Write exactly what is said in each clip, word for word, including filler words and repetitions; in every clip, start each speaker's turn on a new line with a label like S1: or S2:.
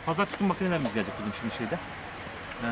S1: Pazartesi günü makinelerimiz gelecek bizim şimdi şeyde. Ee,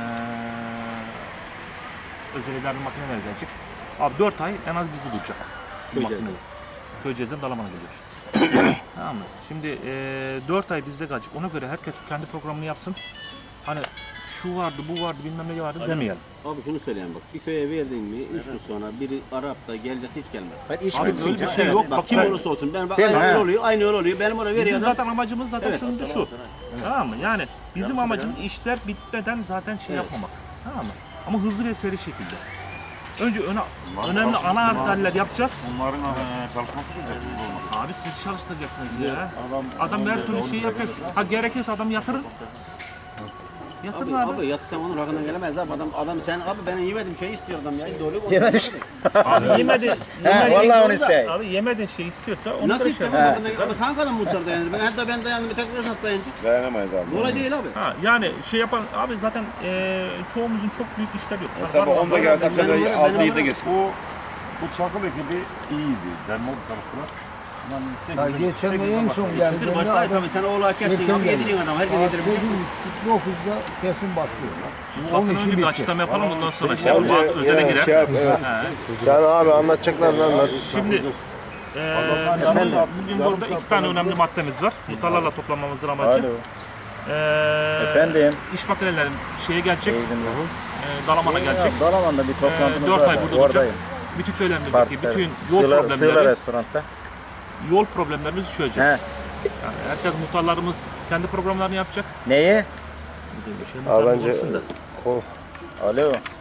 S1: özel idareli makineler gelecek. Abi dört ay en az bizde duracak.
S2: Köyceğiz'den.
S1: Köyceğiz'den Dalaman'a geliyor. Tamam mı? Şimdi e, dört ay bizde kalacak. Ona göre herkes kendi programını yapsın. Hani şu vardı, bu vardı, bilmem ne vardı demeyelim.
S2: Abi şunu söyleyeyim bak, bir köye verdin mi, üç gün sonra biri Arap da gelecekse hiç gelmez.
S3: Hayır, iş
S1: Abi
S3: bitsin
S1: öyle bir
S3: canım.
S1: şey yok.
S2: Bak,
S1: Bak,
S2: kim
S1: ben-
S2: olursa olsun, ben bak
S3: Değil mi?
S2: aynı
S3: Ha.
S2: yol oluyor, aynı yol oluyor, benim oraya veriyor
S1: Bizim
S2: adam.
S1: zaten amacımız zaten
S2: Evet.
S1: şudur şu. Tamam mı? Yani bizim amacımız işler bitmeden zaten şey
S2: Evet.
S1: yapmamak. Tamam mı? Ama hızlı ve seri şekilde. Önce öne, önemli ana arterler yapacağız.
S4: Bunların e, çalışması da olmaz.
S1: Abi siz çalıştıracaksınız ya. Adam her türlü şey yapacak. Ha gerekirse adam yatırın. Yatırın
S2: Abi,
S1: abi.
S2: abi yatsam onun hakkına gelemez abi, adam, adam sen abi benim yemedim şey istiyor adam ya, doğru mu?
S3: Yemedi.
S1: Abi yemedi.
S3: He, vallahi onu isteyin.
S1: Abi yemedin şey istiyorsa onu
S2: Nasıl
S1: da
S2: istiyor
S1: şey.
S2: abi, adam hangi adam muhtar dayanır, ben hatta ben dayandım, bir tekrar nasıl dayanacak?
S4: Dayanamayız abi.
S2: Olay değil abi.
S1: Ha, yani şey yapan abi zaten e, çoğumuzun çok büyük işler yok. Var,
S4: Tabii
S1: var,
S4: onda
S1: var.
S4: geldi,
S2: Ben
S4: tabii
S2: onlara-
S4: altı
S2: ben
S4: yedi
S2: onlara-
S4: geçsin. Bu, bu çakıl ekibi iyiydi. Dermoğlu çalıştılar. Yani
S5: Ya geçen de en son geldi.
S2: Çıtır başta tabii sen oğlu kesin abi, yediriyorsun adam, herkes yedirebilir.
S5: dokuzda kesin başlıyorlar.
S1: Aslında önce bir açıklama yapalım ondan sonra şey yapalım. Bazı özele girer.
S6: Şey yap, evet.
S1: He.
S6: Sen abi anlatacaklarını anlat.
S1: Şimdi eee bizim bugün burada iki tane önemli maddemiz var. Muhtarlarla toplanmamızın amacı.
S3: Alo.
S1: Eee
S3: Efendim.
S1: İş makinelerin şeye gelecek.
S3: İyiydim ya.
S1: Eee Dalaman'a gelecek.
S3: Dalaman'da bir
S1: Eee
S3: toplantımız
S1: dört
S3: var.
S1: ay
S3: da,
S1: burada olacak.
S3: Oradayım.
S1: Bütün köylerimizdeki
S3: Partide.
S1: bütün yol
S3: Sığla, Sığla
S1: problemleri,
S3: restoranda.
S1: yol problemlerimizi
S3: He.
S1: çözeceğiz. Yani herkes muhtarlarımız kendi programlarını yapacak.
S3: Neyi?
S1: Bir şey
S6: Abi
S1: muhtarlık
S6: bence
S1: olsun da.
S6: kol-
S3: Alo.